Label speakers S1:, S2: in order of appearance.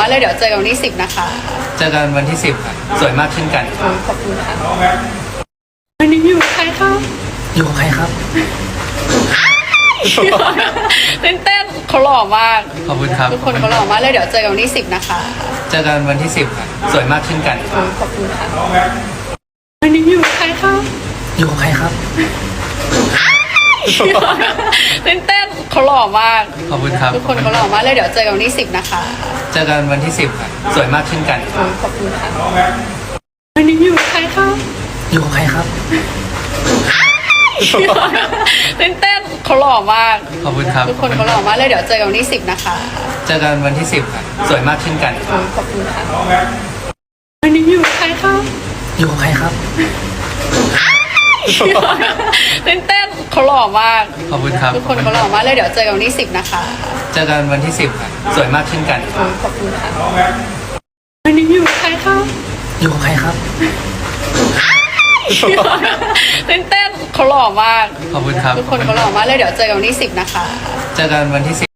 S1: เลยเดี๋ยวเจอกันวันที่10นะคะ
S2: เจอกันวันที่10ครับสวยมากเช่นกัน
S1: ขอบคุณค่ะวันนี้อยู่กับใครคะ
S2: อยู่กับใครครับ
S1: เต้นเขาหล่อมาก
S2: ขอบคุณครับ
S1: ทุกคนเขาหล่อมากเลยเดี๋ยวเจอกันวันที่10นะคะ
S2: เจอกันวันที่10ครับสวยมากเช่นกัน
S1: ขอบคุณค่ะวันนี้อยู่กับใครคะ
S2: อยู่กับใครครับ
S1: เต้นเขาหล่อมาก
S2: ขอบคุณครับ
S1: ทุกคนเขาหล่อมากเลยเดี๋ยวเจอกันวันที่10นะคะ
S2: เจอกันวันที่10ครับสวยมากเช่นกัน
S1: ขอบคุณค่ะวันนี้อยู่กับใครคะ
S2: อยู่กับใครครับ
S1: เต้นเขาหล่อมาก
S2: ขอบคุณครับ
S1: ทุกคนเขาหล่อมากเลยเดี๋ยวเจอกันวันที่10นะคะ
S2: เจอกันวันที่10ครับสวยมากเช่นกัน
S1: ขอบคุณค่ะวันนี้อยู่กับใครคะ
S2: อยู่กับใครครับ
S1: เต้นเขาหล่อมาก
S2: ขอบคุณครับ
S1: ทุกคนเขาหล่อมากเลยเดี๋ยวเจอกันวันที่10นะคะ
S2: เจอกันวันที่10ครับสวยมากเช่นกัน
S1: ขอบคุณค่ะวันนี้อยู่กับใครคะ
S2: อยู่กับใครครับ
S1: เต้นเขาหล่อมาก
S2: ขอบคุณครับ
S1: ทุกคนเขาหล่อมากเลยเดี๋ยวเจอกันวันที่10นะคะ
S2: เจอกันวันที่10